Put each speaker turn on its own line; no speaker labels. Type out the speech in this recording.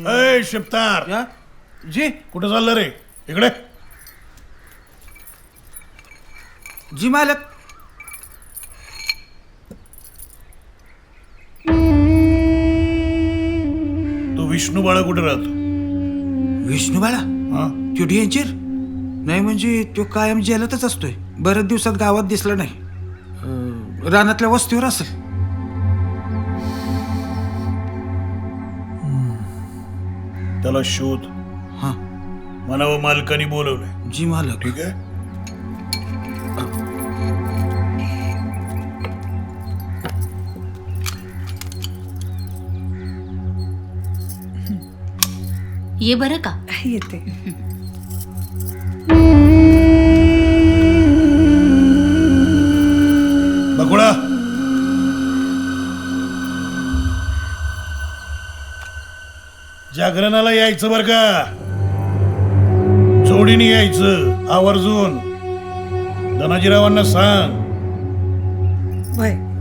अय शिपतार,
या? जी
कुठं चाललं रे? इकडे.
जी मालक.
तू विष्णू बाळा कुठे राहतो?
विष्णू बाळा
हा?
तो डेंजर नाही म्हणजे तो कायम जेलातच असतोय. बऱ्याच दिवसात गावात दिसला नाही. रानातल्या वस्तीवर असेल.
त्याला शोध.
हा
म्हणावं मालकानी बोलवलंय.
जी मालक.
ठीक आहे.
ये बरं का.
येते.
बकुळा, जागरणाला यायचं बर का. जोडीने यायचं आवर्जून. धनाजीरावांना सांग.
वय